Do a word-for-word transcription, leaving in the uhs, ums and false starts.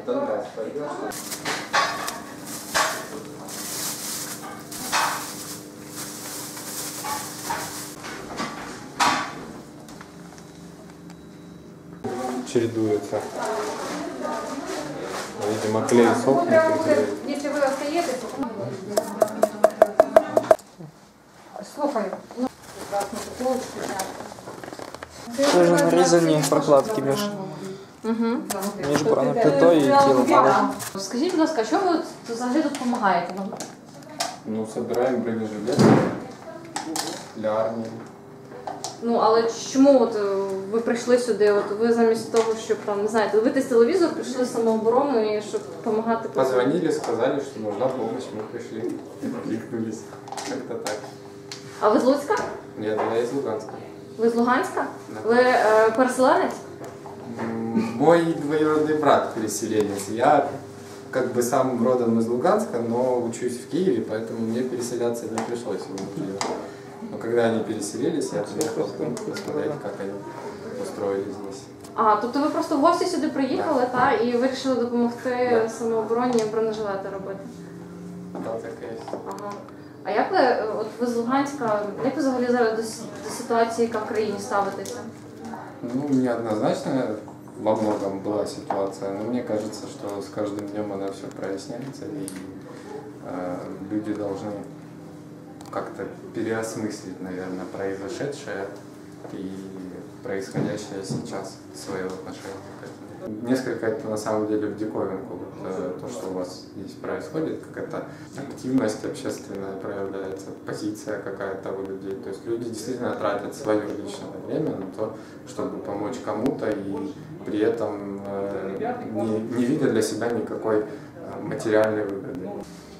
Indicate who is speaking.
Speaker 1: Донбасс пойдешь?
Speaker 2: Чередуется. Видимо, клей сохнет.
Speaker 3: Если вы остаетесь, слухаю.
Speaker 4: Тоже нарізані прокладки між, між бронеплитою і тілом.
Speaker 3: Скажіть, будь ласка, що ви от взагалі тут допомагаєте нам?
Speaker 2: Ну, собираем бронежилет для армії.
Speaker 3: Ну, але чому от ви прийшли сюди? От ви замість того, щоб там, не знаєте, дивитись телевізор, прийшли в самооборону і щоб допомагати?
Speaker 2: Позвонили, сказали, что нужна помощь, мы пришли, кликнулись. Как-то так.
Speaker 3: А ви з Луцька?
Speaker 2: Нет, я из Луганска.
Speaker 3: Ви з Луганська?
Speaker 2: Да.
Speaker 3: Ви е, переселенець?
Speaker 2: Мой двоюродный брат переселенец. Я как бы сам родом из Луганска, но учусь в Киеве, поэтому мне переселяться не пришлось. Но когда они переселились, я приехал посмотреть, как они устроились здесь.
Speaker 3: А, тобто ви просто в гості сюди приїхали,
Speaker 2: Да.
Speaker 3: та, і вирішили допомогти
Speaker 2: Да.
Speaker 3: самообороні бронежилети робити?
Speaker 2: Да, так и есть.
Speaker 3: Ага. А як ви, от ви з Луганська, як ви взагалі зараз до, с- до ситуації, яка в країні ставитеся?
Speaker 2: Ну, неоднозначно во многом была ситуация, но мне кажется, что с каждым днем она все проясняется, и э, люди должны как-то переосмыслить, наверное, произошедшее и происходящее сейчас, свое отношение к этому. Несколько это на самом деле в диковинку, вот, э, то, что у вас здесь происходит, какая-то активность общественная проявляется, позиция какая-то у людей. То есть люди действительно тратят свое личное время на то, чтобы помочь кому-то, и при этом э, не, не видя для себя никакой э, материальной выгоды.